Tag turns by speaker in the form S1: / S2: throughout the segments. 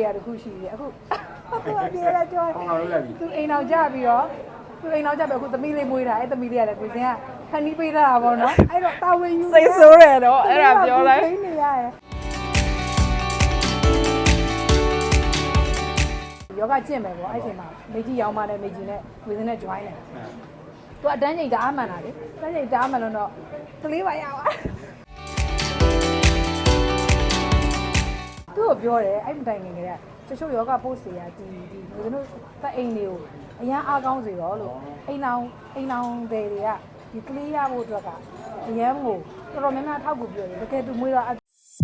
S1: ရတခုရှိတယ်အခုသူအပြေရကြောသူအိမ်အောင်ကြပြီးတော့သူအိမ်အောင်ကြပြီးအခုသမီးလေးမွေးတာအဲ့သမီးလေးရတယ်ကိုစင်ကခဏီးပေးတာပေါ့နော်အဲ့တော့တာဝန်ယူ
S2: စိတ်ဆိုးတယ်တော့အဲ့ဒါပြောလိုက်
S1: နေရတယ်ယောဂကျင့်မယ်ပေါ့အဲ့ချိန်မှာမေကြီးရောင်းပါတယ်မေကြီးနဲ့ဝေစင်းနဲ့ join တယ်သူအတန်းချိန်တအားမှန်တာလေအတန်းချိန်တအားမှန်လို့တော့ကလေးပါရပါသူ့ကိုပြောတယ်အဲ့မတိုင်ငင်ကလေးကချို့ယောဂ post တွေကဒီဝေစင်းတို့တက်အိမ်တွေကိုအရန်အားကောင်းစေတော့လို့အိမ်အောင်တွေကဒီကလေးရဖို့အတွက်ကအရန်ကိုတော်တော်များများထောက်ကူပြောတယ်တကယ်သူမွေးတော့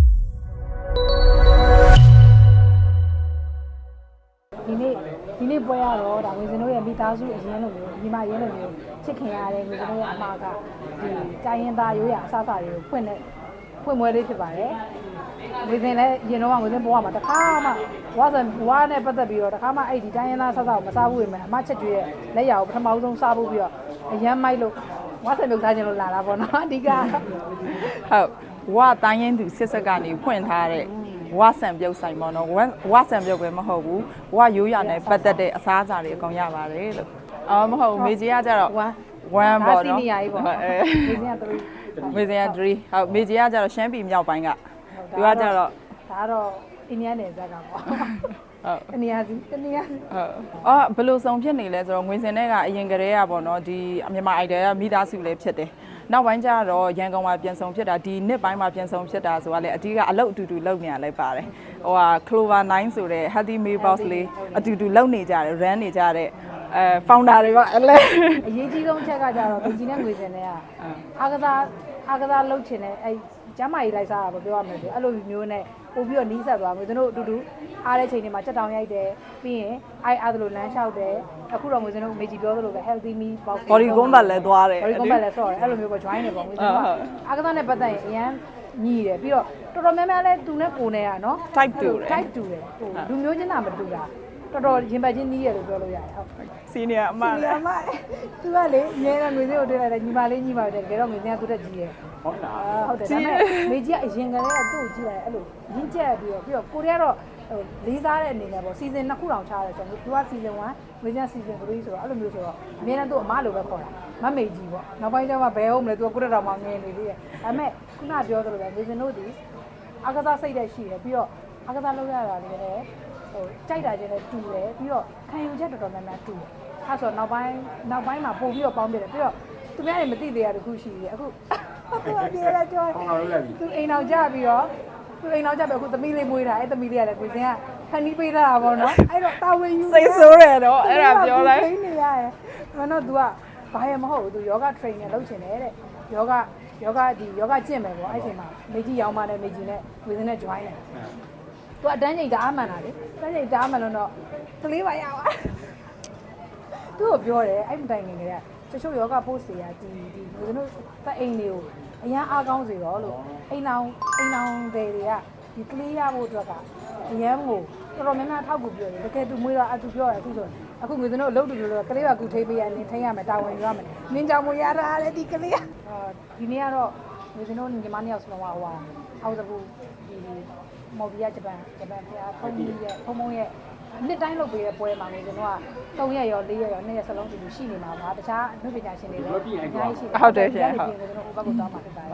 S1: ဒီနေ့ပွဲရတော့ဒါဝေစင်တို့ရဲ့မိသားစုအရင်လိုမျိုးညီမရင်းလိုမျိုးချစ်ခင်ရတယ်ဝေစင်တို့ရဲ့အမှားကဒီတိုင်းရင်သားရိုးရအစားအစာတွေကိုဖွင့်မွဲလေးဖြစ်ပါတယ်ဝေစင်လည်းရင်တော့ဝေစင်ပေါ်မှာတခါမှဝါနဲ့ပတ်သက်ပြီးတော့တခါမှအဲ့ဒီတိုင်းရင်သားစားကိုမစားဘူးပဲအမချက်ကျွေးရဲ့လက်ရအောင်ပထမဆုံးစားဖို့ပြီးတော့အရန်မိုက်လို့ဝါဆန်ပြုတ်စားခြင်းလို့လာတာပေါ့နော်အဓိက
S2: ဟုတ်ဝါတိုင်းရင်သူစစ်ဆက်ကနေဖွင့်ထားတဲ့ဝါဆန်ပြုတ်ဆိုင်ပေါ့နော်ဝါဆန်ပြုတ်ပဲမဟုတ်ဘူးဝါရိုးရနဲ့ပတ်သက်တဲ့အစားအစာတွေအကုန်ရပါတယ်လို့မဟုတ်မေကြီးကကြတော့1ပေါ့နော်
S1: စီနီယာကြီးပေါ့
S2: မေကြီးက3ဟုတ်မေကြီးကကြတော့ရှမ်းပြည်မြောက်ပိုင်းကသူကကြတော့
S1: ဒါကတော့အိန္ဒိယနယ်စပ်ကပေါ့ဟုတ်တနေရာစီ
S2: ဟုတ်ဘယ်လိုစုံဖြစ်နေလဲဆိုတော့ငွေစင်တဲ့ကအရင်ကတည်းကပေါ့နော်ဒီမြန်မာအိုက်တယ်ကမိသားစုလည်းဖြစ်တယ်နောက်ပိုင်းကျတော့ရန်ကုန်မှာပြန်ဆောင်ဖြစ်တာဒီနှစ်ပိုင်းမှာပြန်ဆောင်ဖြစ်တာဆိုတာလေအတီးကအလုပ်အတူတူလုပ်နေရလဲပါတယ်Clover 9ဆိုတဲ့ Healthy Meal Box လေးအတူတူလုပ်နေကြတယ် run နေကြတဲ့founder တွေပါအဲ့လေ
S1: အရေးကြီးဆုံးချက်ကကြတော့ဘင်ကြီးနဲ့ငွေစင်တဲ့ကအားကစားလုပ်ချင်တဲ့အဲ့ကျမ်းမာရေးလိုက်စားတာပြောရမယ်ဆိုအဲ့လိုမျိုးနဲ့ပို့ပြီးတော့နီးစပ်သွားမျိုးတို့အတူတူအားတဲ့ချိန်တွေမှာချက်တောင်ရိုက်တယ်ပြီးရင်အားသလိုလမ်းလျှောက်တယ်အခုတော့မျိုးစင်တို့မေကြီးပြောသလိုပဲ healthy meal box
S2: body combat လည်းသွားတယ်
S1: body combat လည်းဆော့တယ်အဲ့လိုမျိုးပေါ့ join တယ်ပေါ့မျိုးစင်ကအားကစားနဲ့ပတ်သက်ရင်အရန်ညီးတယ်ပြီးတော့တော်တော်များများလဲသူနဲ့ကိုယ်နဲ့ကနော်
S2: type တူတယ်
S1: type တူတယ်ဟိုလူမျိုးချင်းတာမတူတာတော်တော်ရင်ပတ်ချင်းနီးရလို့ပြောလို့ရတယ်ဟုတ်
S2: senior အမ
S1: လည်း senior အမသူကလေအများနဲ့ငွေစင်းကိုတွေ့လိုက်တယ်ညီမလေးညီမတယ်တကယ်တော့ငွေစင်းကသူ့တက်ကြီးရဲ့ဟုတ်လားဟုတ်တယ်ဒါပေမဲ့မေကြီးကအရင်ကတည်းကသူ့ကိုကြည့်လိုက်အဲ့လိုရင်းချက်ပြီးတော့ကိုရီးယားတော့လေးစားတဲ့အနေနဲ့ပေါ့ season 2ခုတောင်ချရတယ်ဆိုတော့သူက season 1ငွေစင်း season 3ဆိုတော့အဲ့လိုမျိုးဆိုတော့အများနဲ့သူ့အမလိုပဲခေါ်တာမမေကြီးပေါ့နောက်ပိုင်းကျမှဘယ်ဟုတ်မလဲသူကကိုရက်တော်မှငင်းနေသေးတယ်ဒါပေမဲ့ခုနပြောသလိုပဲငွေစင်းတို့ဒီအားကစားစိတ်တဲ့ရှိတယ်ပြီးတော့အားကစားလုပ်ရတာလည်းဟိုကြိုက်တာချင်းလည်းတူတယ်ပြီးတော့ခံယူချက်တော်တော်များများတူတယ်အဲဆိုနောက်ပိုင်းမှာပို့ပြီးတော့ပေါင်းပြတယ်ပြီးတော့သူများတွေမသိသေးရတခုရှိတယ်အခုသူအပြေရကြောသူအိမ်အောင်ကြပြီးတော့သူအိမ်အောင်ကြပြီးအခုသမီးလေးမွေးတာအဲ့သမီးလေးရတယ်ကိုစင်ကခဏီးပေးတာပေါ့နော်အဲ့တော့တာဝန်ယူ
S2: စိတ်ဆိုးတယ်တော့အဲ့ဒါပြောလိုက်
S1: နေရတယ်မနော် तू ကဘာရမဟုတ်ဘူး तू ယောဂ trainer လုပ်ချင်တယ်တဲ့ယောဂကျင့်မယ်ပေါ့အဲ့ချိန်မှာမေကြီးရောင်းပါတယ်မေကြီးနဲ့ဝေစင်းနဲ့ join တယ်သူအတန်းချိန်တအားမှန်တာလေအတန်းချိန်တအားမှန်လို့တော့ကလေးပါရပါသူ့ကိုပြောတယ်အဲ့မတိုင်ငင်ကလေးကချို့ယောဂ post တွေကဒီဝေစင်းတို့တက်အိမ်တွေကိုအရန်အားကောင်းစေတော့လို့အိမ်အောင်တွေကဒီကလေးရဖို့အတွက်ကအရန်ကိုတော်တော်များများထောက်ကူပြောတယ်တကယ်သူမွေးတော့သူပြောတယ်အခုဆိုအခုငွေစင်းတို့အလုပ်တူလို့ကလေးကကူထိပေးရနေထိရမယ်တာဝန်ယူရမယ်နင်းကြောင်မွေးရတာလေဒီကလေးဒီနေ့ကတော့ငွေစင်းတို့ညီမနှစ်ယောက်စလုံးကအောက်စဘူးဒီမော်ဘီယာဂျပန်ဖျားဖုံးရဲ့နှစ်တိုင်းလုပ်ပေးတဲ့ပွဲမှာငွေစင်းတို့က3ရက်ရော4ရက်ရော2ရက်စလုံးတူရှိနေမှာပါတခြားအမှုပညာရှင်တွေလည်းအများကြီးရှိတယ်
S2: ဟုတ်တယ်ရှင်ဟုတ်
S1: ငွေစင်းတို့ဟိုဘက်ကိုတောင်းမှာဖြစ်ပါတယ်